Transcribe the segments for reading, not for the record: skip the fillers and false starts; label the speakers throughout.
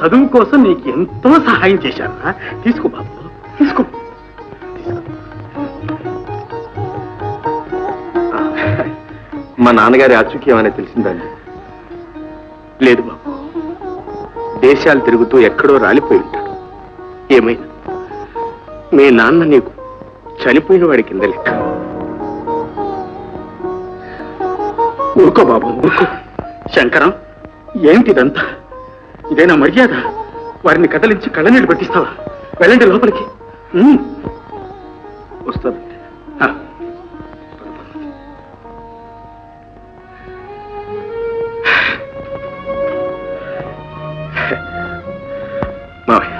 Speaker 1: చదువు కోసం నీకు ఎంతో సహాయం చేశారా. తీసుకో బాబు, తీసుకో.
Speaker 2: మా నాన్నగారి ఆచూక్యం అనేది తెలిసిందండి?
Speaker 1: లేదు బాబు,
Speaker 2: దేశాలు తిరుగుతూ ఎక్కడో రాలిపోయి ఉంటాడు.
Speaker 1: ఏమైనా మీ నాన్న నీకు చనిపోయిన వాడి కింద లెక్క. ఊరుకో బాబు, ఊరుకో. శంకరం, ఏమిటిదంతా? ఇదేనా మర్యాద? వారిని కదలించి కళ్ళనీళ్ళు పెట్టిస్తావా? వెళ్ళండి లోపలికి.
Speaker 2: వస్తానండి.
Speaker 1: మావయ్య,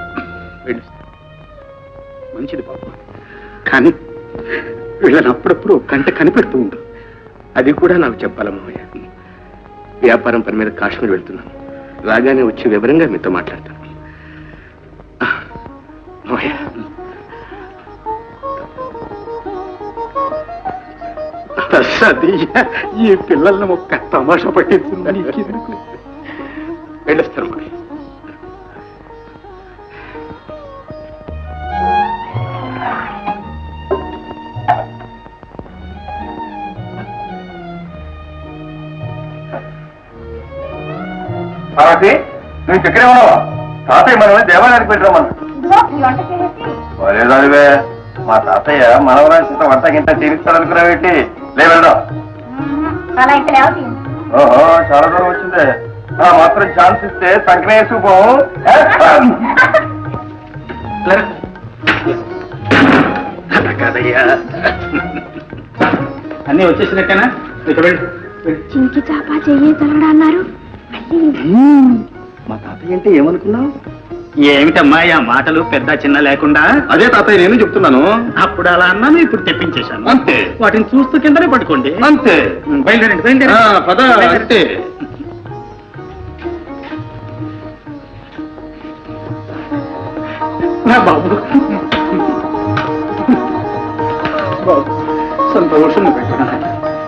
Speaker 1: మంచిది బాబు, కానీ వీళ్ళని అప్పుడప్పుడు గంట కనిపెడుతూ ఉండు.
Speaker 2: అది కూడా నాకు చెప్పాలా మావయ్య? వ్యాపారం పని మీద కాశ్మీర్ వెళ్తున్నాను. రాగానే వచ్చి వివరంగా మీతో మాట్లాడతాను. మావయ్య,
Speaker 1: ఈ పిల్లల్ని ఒక్క తమాషా పట్టించిందని వెళ్ళొస్తాను మావయ్య.
Speaker 2: నువ్వు చక్కరే ఉన్నావా? తాతయ్య మనల్ని దేవాలయానికి పెట్టరామన్నా. లేదానివే, మా తాతయ్య మనవరాంత వంట గింట తీరుస్తాడనుకున్నావేంటి? లేవెళ్దాం. ఓహో, చాలా దూరం వచ్చిందే. మాత్రం ఛాన్స్ ఇస్తే సంకనే వేసుకుపోవు.
Speaker 1: కాదయ్యా, అన్నీ వచ్చేసినట్టేనా?
Speaker 3: చింకి చాపా చెయ్యి తలగడా అన్నారు.
Speaker 2: మా తాతయ్య అంటే ఏమనుకున్నావు?
Speaker 1: ఏమిటమ్మా ఆ మాటలు పెద్ద చిన్న లేకుండా?
Speaker 2: అదే తాతయ్య నేను చెప్తున్నాను.
Speaker 1: అప్పుడు అలా అన్నాను, ఇప్పుడు తెప్పించేశాను.
Speaker 2: అంతే.
Speaker 1: వాటిని చూస్తూ కిందనే పట్టుకోండి.
Speaker 2: అంతే.
Speaker 1: బయలుదేరండి, బయలుదేరండి.
Speaker 2: పద. అంతే.
Speaker 1: బాబు, బాబు, సంతోషంగా పెట్టుకున్నా.